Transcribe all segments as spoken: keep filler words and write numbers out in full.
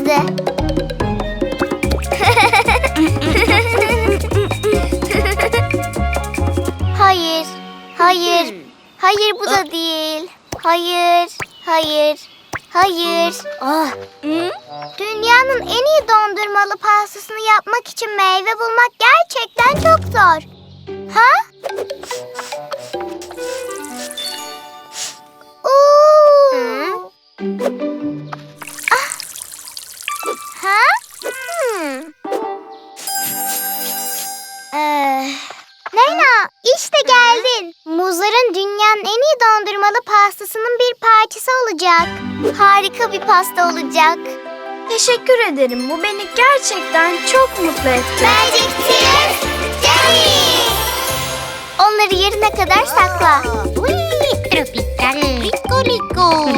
olmadı. Hayır, hayır, hayır bu da değil. Hayır, hayır, hayır. Ah. Dünyanın en iyi dondurmalı pastasını yapmak için meyve bulmak gerçekten çok zor. Ha? Oo. Ah. Ha? Hmm. Ee, Leyla, işte geldin. Muzların dünyanın en iyi dondurmalı pastasının bir parçası olacak. Harika bir pasta olacak. Teşekkür ederim. Bu beni gerçekten çok mutlu etti. Magic Tears Jelly. Onları yerine kadar sakla. Tropical Rico Rico.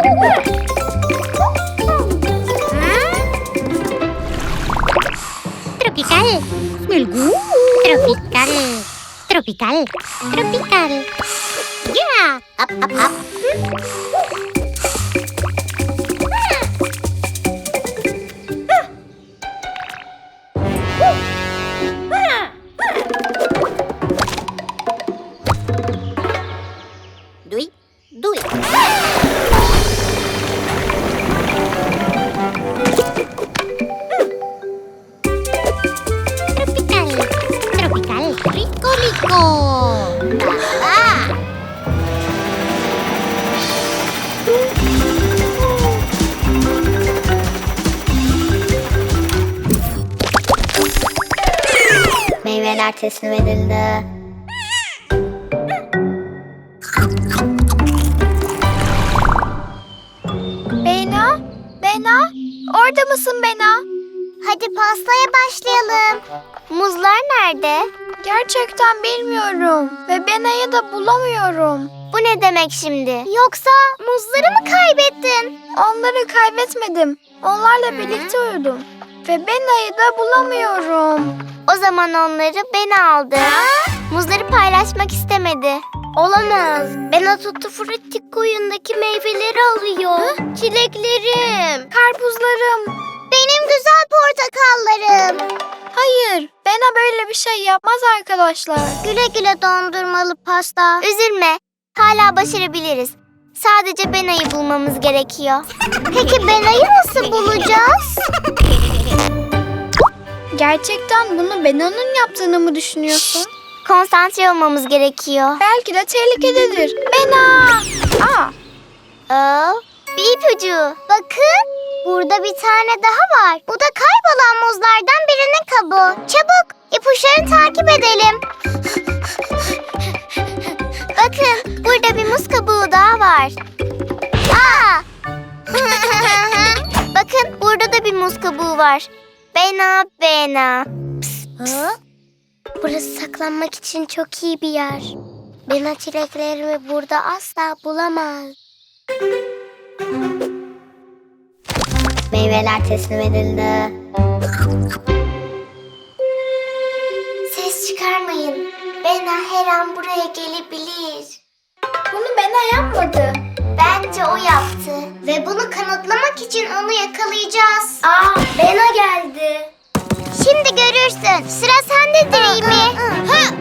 Tropical. Tropical. Tropical. Tropical. Ya. Up up up. Do it. Do it. Tropical. Tropical. Rico Rico. Ah. Meyveler teslim edildi. Bena? Bena? Orada mısın Bena? Hadi pastaya başlayalım. Muzlar nerede? Gerçekten bilmiyorum. Ve Bena'yı da bulamıyorum. Bu ne demek şimdi? Yoksa muzları mı kaybettin? Onları kaybetmedim. Onlarla birlikte uyudum. Ve Bena'yı da bulamıyorum. O zaman onları ben aldı. Muzları paylaşmak istemedi. Olamaz. Bena Tutti Frutti koyundaki meyveleri alıyor. Çileklerim. Karpuzlarım. Benim güzel portakallarım. Hayır, Bena böyle bir şey yapmaz arkadaşlar. Güle güle dondurmalı pasta. Üzülme. Hala başarabiliriz. Sadece Bena'yı bulmamız gerekiyor. Peki Bena'yı nasıl bulacağız? Gerçekten bunu Bena'nın yaptığını mı düşünüyorsun? Konsantre olmamız gerekiyor. Belki de tehlikededir. Bena! Aa, Oo, bir ipucu. Bakın, burada bir tane daha var. Bu da kaybolan muzlardan birinin kabuğu. Çabuk, ipuçlarını takip edelim. Bakın, burada bir muz kabuğu daha var. Aa! Bakın, burada da bir muz kabuğu var. Bena, Bena. Psst, psst. Burası saklanmak için çok iyi bir yer. Bena çileklerimi burada asla bulamaz. Meyveler teslim edildi. Ses çıkarmayın. Bena her an buraya gelebilir. bunu Bena yapmadı. Bence o yaptı. Ve bunu kanıtlamak için onu yakalayacağız. Aa, Bena geldi. Şimdi görürsün. Sıra sende Dreamy. Hı.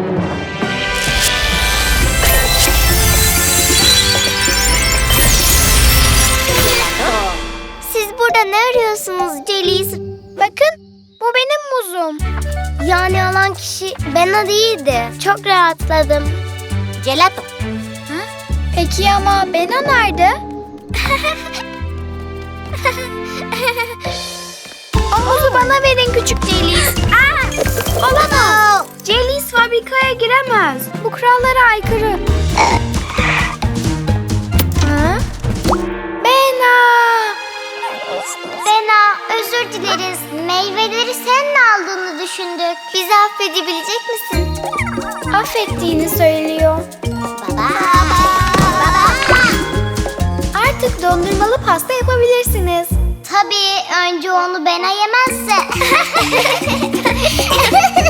Siz burada ne arıyorsunuz Jellies? Bakın, bu benim muzum. Yani alan kişi Bena değildi. Çok rahatladım. Gelato. Peki ama Bena nerede? O muzu bana verin küçük Jellies. Aa, olamaz. Jellies fabrikaya giremez. Bu kurallara aykırı. Ha? Bena! Bena, özür dileriz. Meyveleri senin aldığını düşündük. Bizi affedebilecek misin? Affettiğini söylüyor. Baba. Artık dondurmalı pasta yapabilirsiniz. Tabii, önce onu Bena yemezse.